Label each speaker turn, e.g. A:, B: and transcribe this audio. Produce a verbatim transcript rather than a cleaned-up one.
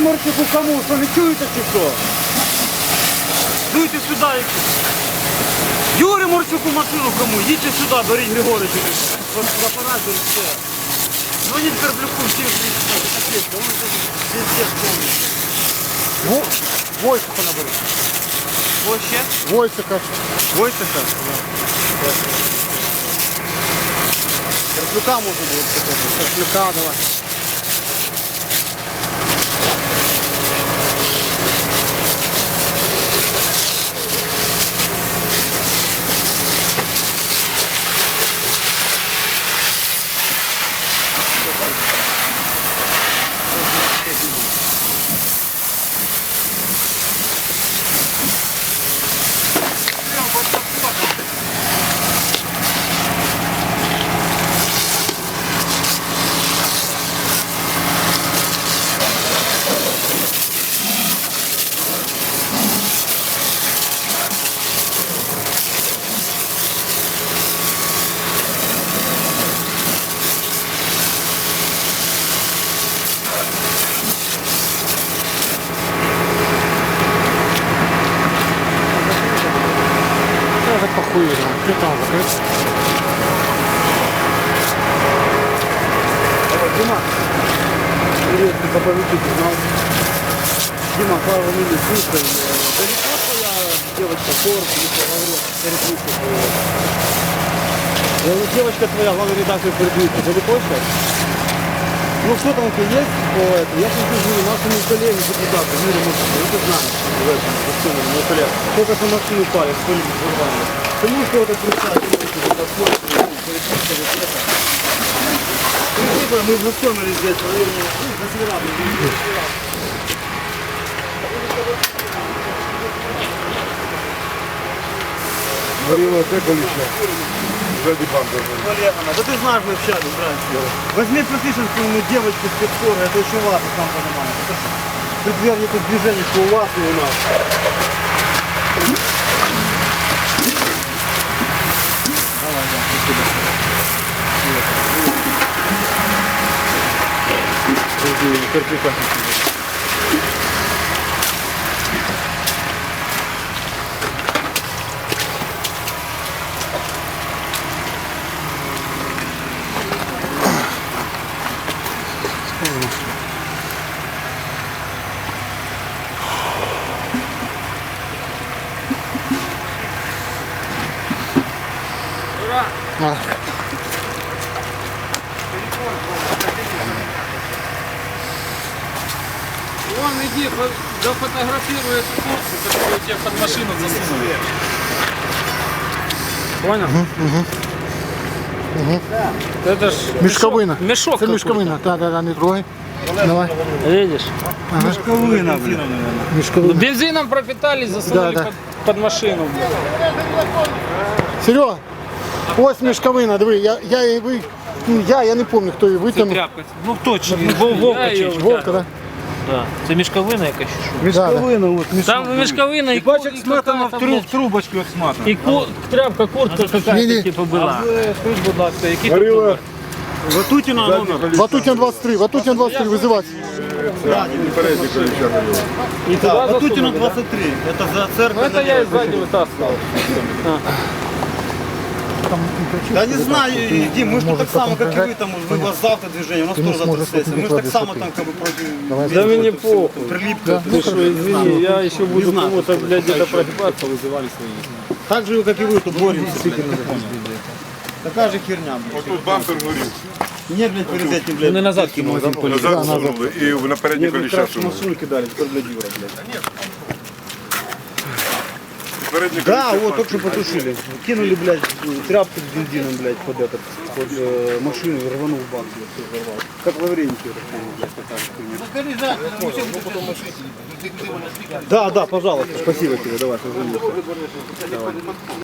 A: Морчику кому? Що не чуєте чи що? Дуйте сюди. Юрі Морчику машину кому? Їдьте сюди, беріть Григоричу. Апарат беріть все. Звоніть Карплюку, всі взвіть. Он везде повністю.
B: Войсика набери.
A: Ось ще?
B: Войсика.
A: Войсика?
B: Карплюка може бути. Карплюка давай. Похуй, критан закрыть.
A: Дима, привет, ты поповедите, знал. Дима, пару минут, слушай, далеко твоя девочка Форд, или что говорил, переключка твоя? Я говорю, девочка твоя, главный редактор переключки, далеко сейчас? Ну что там у тебя есть по этому? Я сейчас вижу нашему коллеге депутату, Юрию Морчику, ну ты знаешь, в этом, в мой коллега. Только что машину упали, что-нибудь взорвали. Ты можешь кого-то представить, посмотрим, переключка вот это. Мы знакомились здесь в районе, ну, за Северами.
B: Горело это количество. Сзади банка.
A: Да ты знаешь, мы общались раньше. Возьми просишь какую девочку с спецкора, это очень важно, сам понимаешь. Это предверник движений, что у вас и у нас. Давай, да, спасибо.
B: А.
C: Вон, иди, дофотографируй эту куртку, которую тебе под машину засунули. Понял?
B: Угу, угу. Угу.
C: Это ж
B: Мешковина.
C: Мешок.
B: Это мешковина. Да, да, да, не трогай. Давай.
C: Видишь?
B: Ага.
A: Мешковина, блин.
B: Мешковина.
C: Бензином пропитались, засунули
B: Да, да.
C: под, под машину.
B: Серега, ось мешковина, диви, я, я її ви, ну, я, я не пам'ятаю, хто її витягнув.
D: Тряпка. Ну точно, Вовка чи що?
B: Вовка, да?
D: Да. Це мішковина якась чи що?
A: Мешковина, вот,
C: Там мешковина и, ку-
D: Бачиш,
C: и
D: сматана в,
C: какая-то,
D: труб,
C: блядь,
D: в трубочку як сматана.
C: и ку- тряпка, куртка
B: Не-не.
C: какая-то типа
D: А
C: была.
D: ви, скажіть, будь ласка, які тут
B: Горіло.
D: номер?
A: Ватутина номер.
B: Ватутін двадцять три, Ватутін двадцять три, визивати.
C: И
A: Да,
C: туда
A: Ватутина
C: засунули, да?
A: двадцать три. Это за
C: Ну
A: церковь.
C: это я и сзади вытаскивал.
A: Да не знаю, Дим, мы же тут так само, как и вы, там, вы вас завтра движение, у нас
B: Ты
A: тоже
B: не сможешь
A: завтра сессия. Мы же так
B: вот
A: само
B: не
A: там как бы против...
C: Да мне похуй.
A: Прилипка.
C: Ты что, извини, я еще буду
A: знаю,
C: кому-то, блядь, где-то прогибаться, вызывали свои.
A: Так же, как и вы, тут боремся. Такая же херня, блядь.
E: Тут бампер горів.
A: Нет, блядь, перед этим, блядь.
C: Ну, назад кинул, да?
E: Назад сунули і на переднє
A: Мне, блядь,
E: коліща
A: красную
E: сунули.
A: машину кидали, теперь, блядь, Юра, блядь.
E: Переднє
A: Да,
E: колесо
A: вот, только что потушили. Кинули, блядь, тряпку с бензином, блядь, под этот, под э, машину и рванул бак, блядь, все взорвал. Как в Авреньке, так само, блядь, такая же хуйня. Да, да, пожалуйста, спасибо тебе, давай, позвони. Давай.